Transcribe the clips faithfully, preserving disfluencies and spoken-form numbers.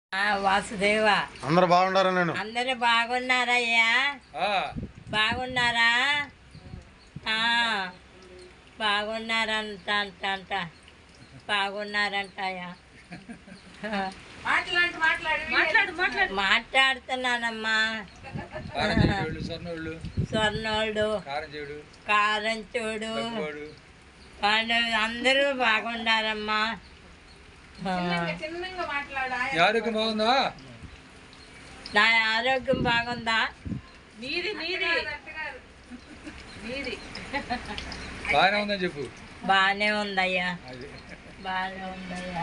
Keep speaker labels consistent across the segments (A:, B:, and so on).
A: వాసుదేవ
B: అందరు బాగున్నారా? నేను
A: అందరు బాగున్నారయ్యా? బాగున్నారా? బాగున్నారంట అంట అంట బాగున్నారంటయ్యా. మాట్లాడుతున్నానమ్మా. స్వర్ణోళ్ళు, కారం చూడు, వాళ్ళు అందరూ బాగున్నారమ్మా.
C: ఆరోగ్యం బాగుందా?
A: నా ఆరోగ్యం బాగుందా?
D: నీది నీది నీది
C: బాగానే ఉందని చెప్పు.
A: బాగానే ఉందయ్యా, బాగానే ఉందయ్యా.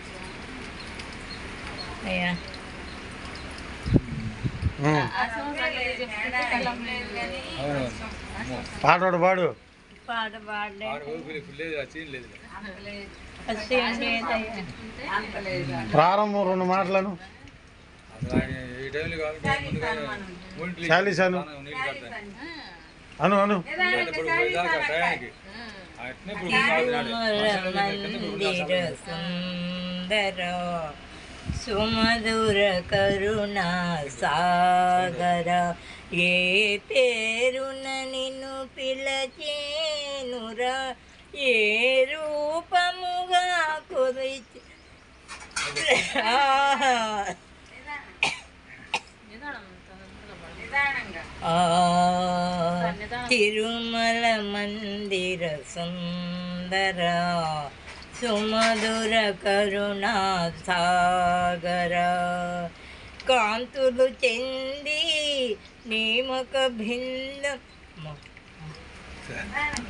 A: అయ్యా
B: పాడు పాడు
A: పాట పాడలే.
B: ప్రారంభం రెండు మాటలను చాలీసాను అను అను
A: మందిర సుందర సుమధుర కరుణా సాగర, ఏ పేరున నిన్ను పిలచేనురా, ఏ రూపముగా కురిచి తిరుమల మందిర సుందర సుమధుర కరుణా సాగర, కాంతులు చెంది నీమక భిన్న